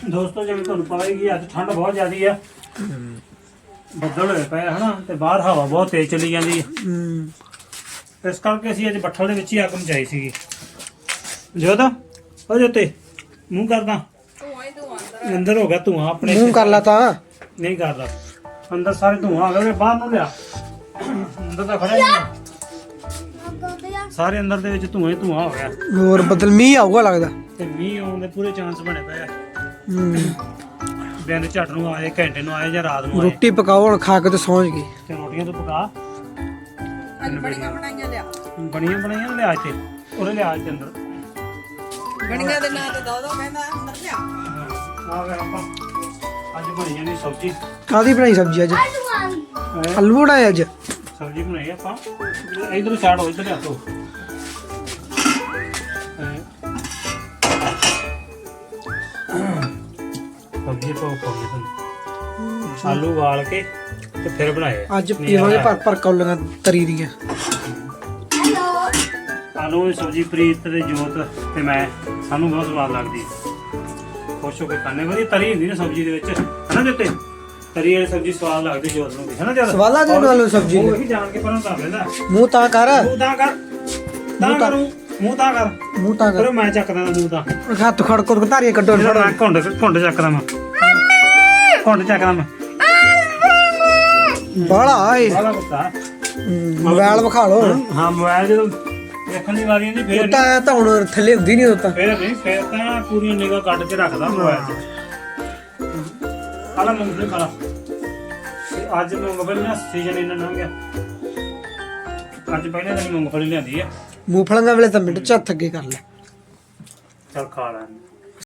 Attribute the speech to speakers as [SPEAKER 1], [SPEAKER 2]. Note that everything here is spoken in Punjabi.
[SPEAKER 1] ਦੋਸਤੋ ਜਿਵੇਂ ਤੁਹਾਨੂੰ ਪਤਾ ਹੀ ਕਿ ਅੱਜ ਠੰਡ ਬਹੁਤ ਜ਼ਿਆਦੀ ਆ ਬੱਦਲ ਹੋਏ ਪਏ ਹਨਾ ਤੇ ਬਾਹਰ ਹਵਾ ਬਹੁਤ ਤੇਜ਼ ਚੱਲੀ ਜਾਂਦੀ ਹੈ ਇਸ ਕਰਕੇ ਅਸੀਂ ਅੱਜ ਬੱਠਲ ਦੇ ਵਿੱਚ ਹੀ ਅੱਗ ਮਚਾਈ ਸੀਗੀ ਜੋਤ ਹੋ ਜੋਤੇ ਮੂੰਹ ਕਰਦਾ ਅੰਦਰ ਹੋ ਗਿਆ ਧੂਆਂ ਆਪਣੇ
[SPEAKER 2] ਮੂੰਹ ਕਰ ਲਾ ਤਾਂ
[SPEAKER 1] ਨਹੀਂ ਕਰਦਾ ਅੰਦਰ ਸਾਰੇ ਧੂਆਂ ਆ ਗਏ ਬਾਹਰ ਨੂੰ ਲਿਆ ਅੰਦਰ ਤਾਂ ਖੜਾ ਨਹੀਂ ਸਾਰੇ ਅੰਦਰ ਦੇ ਵਿੱਚ ਧੂਆਂ ਹੀ ਧੂਆਂ ਹੋ ਗਿਆ
[SPEAKER 2] ਹੋਰ ਬੱਦਲ ਮੀਂਹ ਆਊਗਾ ਲੱਗਦਾ
[SPEAKER 1] ਤੇ ਮੀਂਹ ਆਉਣ ਦੇ ਪੂਰੇ ਚਾਂਸ ਬਣੇ ਪਏ ਆ ਦਿਨ ਝੱਟ ਨੂੰ ਆਏ ਘੰਟੇ ਨੂੰ ਆਏ ਜਾਂ ਰਾਤ ਨੂੰ ਆਏ
[SPEAKER 2] ਰੋਟੀ ਪਕਾਓ ਹੁਣ ਖਾ ਕੇ ਤੇ ਸੌਂ ਗਈ
[SPEAKER 1] ਤੇ ਰੋਟੀਆਂ ਤੋਂ ਪਕਾ
[SPEAKER 3] ਬਣੀਆਂ ਬਣਾਈਆਂ ਲਿਆ
[SPEAKER 1] ਬਣੀਆਂ ਲਿਆ ਇੱਥੇ ਉਹਦੇ ਲਿਆ ਇੱਥੇ ਅੰਦਰ
[SPEAKER 3] ਬਣੀਆਂ ਦੇ ਨਾਂ ਤੇ ਦੋ ਕਹਿੰਦਾ ਅੰਦਰ ਲਿਆ
[SPEAKER 1] ਆ ਵੇ ਆਪਾਂ ਅੱਜ ਬਣੀ ਜਾਣੀ ਸਬਜ਼ੀ
[SPEAKER 2] ਕਾਦੀ ਬਣਾਈ ਸਬਜ਼ੀ ਅੱਜ ਆਲੂ ਬਣਾਏ ਅੱਜ
[SPEAKER 1] ਸਬਜ਼ੀ ਬਣਾਈ ਆਪਾਂ ਇਧਰ ਸਾਈਡ ਹੋ ਇੱਧਰ ਲਿਆਓ ਸਬਜ਼ੀ ਪਾਓ ਤੁਹਾਨੂੰ ਆਲੂ ਉਬਾਲ ਕੇ ਤੇ ਫਿਰ ਬਣਾਏ
[SPEAKER 2] ਅੱਜ ਪੀਵਾਂਗੇ ਭਰ ਕੌਲੀਆਂ ਤਰੀ ਦੀਆਂ
[SPEAKER 1] ਆਲੂ ਦੀ ਸਬਜ਼ੀ ਪ੍ਰੀਤ ਤੇ ਜੋਤ ਤੇ ਮੈਂ ਸਾਨੂੰ ਬਹੁਤ ਸਵਾਦ ਲੱਗਦੀ ਹੈ ਖੁਸ਼ ਹੋ ਕੇ ਖਾਣੇ ਵਾਲੀ ਤਰੀ ਹੁੰਦੀ ਨਾ ਸਬਜ਼ੀ ਦੇ ਵਿੱਚ ਹਨਾ ਦਿੱਤੇ ਤਰੀ ਵਾਲੀ ਸਬਜ਼ੀ ਸਵਾਦ ਲੱਗਦੀ ਜੋਤ ਨੂੰ ਵੀ ਹਨਾ ਜਦ
[SPEAKER 2] ਸਵਾਲਾ ਦੇ ਨਾਲ ਸਬਜ਼ੀ
[SPEAKER 1] ਉਹ ਵੀ ਜਾਣ ਕੇ ਪਰਾਂ ਤਾਂ ਲੈਂਦਾ
[SPEAKER 2] ਮੂੰਹ ਤਾਂ ਕਰ
[SPEAKER 1] ਮੂੰਹ ਤਾਂ ਕਰ ਤਾਂ ਕਰੂ ਮੂੰਹ ਤਾਂ ਕਰ
[SPEAKER 2] ਮੂੰਹ ਤਾਂ ਕਰ
[SPEAKER 1] ਫਿਰ ਮੈਂ ਚੱਕਦਾ ਮੂੰਹ ਤਾਂ
[SPEAKER 2] ਹੱਥ ਖੜ ਕੇ ਧਾਰੀਆਂ ਕੱਢੋ
[SPEAKER 1] ਮੈਂ ਘੁੰਡ ਚੱਕਦਾ ਮੈਂ ਘੁੰਡ ਚੱਕਦਾ ਮੈਂ
[SPEAKER 2] ਬਾਲਾ ਏ
[SPEAKER 1] ਬਾਲਾ ਕੁੱਤਾ
[SPEAKER 2] ਮੋਬਾਈਲ ਵਿਖਾ ਲੋ
[SPEAKER 1] ਹਾਂ ਮੋਬਾਈਲ ਜਦੋਂ ਦੇਖਣ ਦੀ ਵਾਰੀ ਨਹੀਂ ਫੇਰ
[SPEAKER 2] ਤਾਂ ਹੁਣ ਥੱਲੇ ਹੁੰਦੀ ਨਹੀਂ ਹੁੰਦਾ
[SPEAKER 1] ਫੇਰ ਤਾਂ ਪੂਰੀ ਨਿਗਾਹ ਕੱਢ ਕੇ ਰੱਖਦਾ ਮੋਬਾਈਲ 'ਚ ਆਲਾ ਮੂੰਗਫਲੀ ਖਾਲਾ ਅੱਜ ਮੂੰਗਫਲੀ ਨਾ ਸੀਜ਼ਨ ਇਹਨਾਂ ਲੰਘ ਗਿਆ ਅੱਜ ਪਹਿਲੇ ਦਿਨ ਮੂੰਗਫਲੀ ਲਿਆਂਦੀ ਆ
[SPEAKER 2] ਮੂੰਗਫਲੀਆਂ ਵੇਲੇ ਤਾਂ ਮਿੰਟ ਚ ਹੱਥ ਅੱਗੇ ਕਰ ਲੈ
[SPEAKER 1] ਚੱਲ ਖਾ ਲੈ